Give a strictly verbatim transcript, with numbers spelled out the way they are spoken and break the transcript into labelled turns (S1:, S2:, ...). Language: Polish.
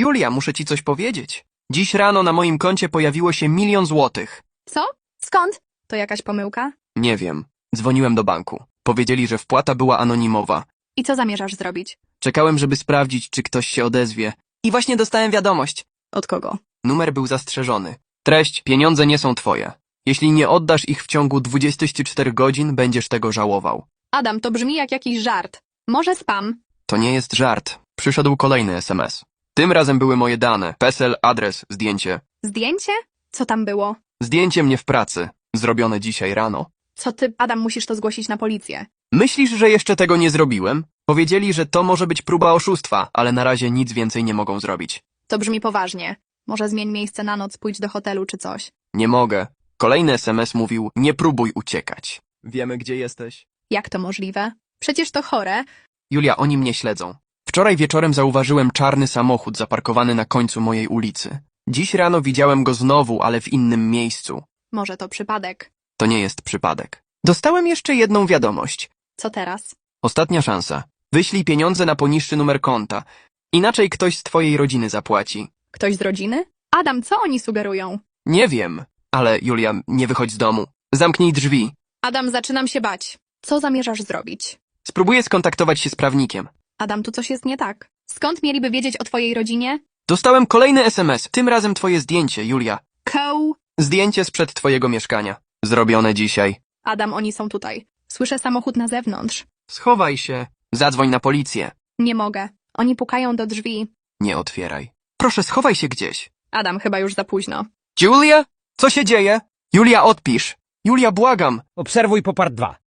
S1: Julia, muszę ci coś powiedzieć. Dziś rano na moim koncie pojawiło się milion złotych.
S2: Co? Skąd? To jakaś pomyłka?
S1: Nie wiem. Dzwoniłem do banku. Powiedzieli, że wpłata była anonimowa.
S2: I co zamierzasz zrobić?
S1: Czekałem, żeby sprawdzić, czy ktoś się odezwie. I właśnie dostałem wiadomość.
S2: Od kogo?
S1: Numer był zastrzeżony. Treść: pieniądze nie są twoje. Jeśli nie oddasz ich w ciągu dwudziestu czterech godzin, będziesz tego żałował.
S2: Adam, to brzmi jak jakiś żart. Może spam?
S1: To nie jest żart. Przyszedł kolejny es em es. Tym razem były moje dane. PESEL, adres, zdjęcie.
S2: Zdjęcie? Co tam było?
S1: Zdjęcie mnie w pracy. Zrobione dzisiaj rano.
S2: Co ty, Adam, musisz to zgłosić na policję.
S1: Myślisz, że jeszcze tego nie zrobiłem? Powiedzieli, że to może być próba oszustwa, ale na razie nic więcej nie mogą zrobić.
S2: To brzmi poważnie. Może zmień miejsce na noc, pójdź do hotelu czy coś.
S1: Nie mogę. Kolejny es em es mówił: nie próbuj uciekać. Wiemy, gdzie jesteś.
S2: Jak to możliwe? Przecież to chore.
S1: Julia, oni mnie śledzą. Wczoraj wieczorem zauważyłem czarny samochód zaparkowany na końcu mojej ulicy. Dziś rano widziałem go znowu, ale w innym miejscu.
S2: Może to przypadek.
S1: To nie jest przypadek. Dostałem jeszcze jedną wiadomość.
S2: Co teraz?
S1: Ostatnia szansa. Wyślij pieniądze na poniższy numer konta. Inaczej ktoś z twojej rodziny zapłaci.
S2: Ktoś z rodziny? Adam, co oni sugerują?
S1: Nie wiem, ale Julia, nie wychodź z domu. Zamknij drzwi.
S2: Adam, zaczynam się bać. Co zamierzasz zrobić?
S1: Spróbuję skontaktować się z prawnikiem.
S2: Adam, tu coś jest nie tak. Skąd mieliby wiedzieć o twojej rodzinie?
S1: Dostałem kolejny es em es. Tym razem twoje zdjęcie, Julia.
S2: Koł.
S1: Zdjęcie sprzed twojego mieszkania. Zrobione dzisiaj.
S2: Adam, oni są tutaj. Słyszę samochód na zewnątrz.
S1: Schowaj się. Zadzwoń na policję.
S2: Nie mogę. Oni pukają do drzwi.
S1: Nie otwieraj. Proszę, schowaj się gdzieś.
S2: Adam, chyba już za późno.
S1: Julia? Co się dzieje? Julia, odpisz. Julia, błagam.
S3: Obserwuj Popart dwa.